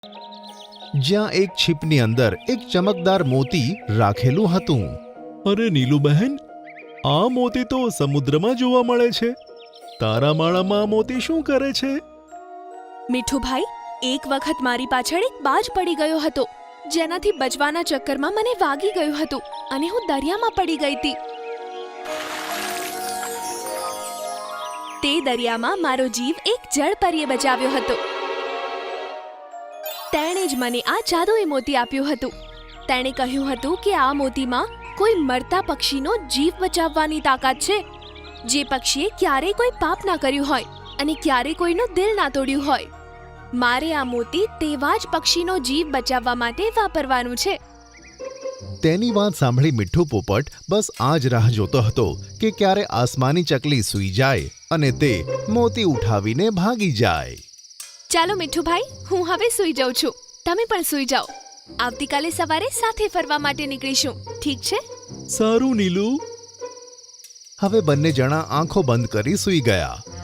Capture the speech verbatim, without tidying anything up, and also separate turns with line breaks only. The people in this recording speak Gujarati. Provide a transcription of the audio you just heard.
જ્યાં એક છીપની અંદર એક ચમકદાર મોતી રાખેલું હતું.
અરે નીલુબહેન, આ મોતી તો સમુદ્રમાં જોવા મળે છે. તારા માળામાં આ મોતી શું કરે છે?
મીઠુભાઈ, એક વખત મારી પાછળ એક બાજ પડી ગયો હતો, જેનાથી બચવાના ચક્કરમાં મને વાગી ગયું હતું અને હું દરિયામાં પડી ગઈ હતી. તે દરિયામાં મારો જીવ એક જળપરીએ બચાવ્યો હતો. તેણે જ મને આ જાદુઈ મોતી આપ્યું હતું. તેણે કહ્યું હતું કે આ મોતીમાં કોઈ મરતા પક્ષીનો જીવ બચાવવાની તાકાત છે, જે પક્ષીએ ક્યારેય કોઈ પાપ ના કર્યું હોય અને ક્યારેય કોઈનું દિલ ના તોડ્યું હોય. મારે આ મોતી તેવા જ પક્ષીનો જીવ બચાવવા માટે વાપરવાનું છે.
તેની વાત સાંભળી મીઠું પોપટ બસ આ જ રાહ જોતો હતો કે ક્યારે આસમાની ચકલી સૂઈ જાય અને તે મોતી ઉઠાવીને ભાગી જાય.
ચાલો મીઠુભાઈ, હું હવે સૂઈ જાઉં છું. તમે પણ સૂઈ જાઓ. આવતીકાલે સવારે સાથે ફરવા માટે નીકળીશું, ઠીક છે?
સારું નીલુ.
હવે બંને જણા આંખો બંધ કરી સૂઈ ગયા.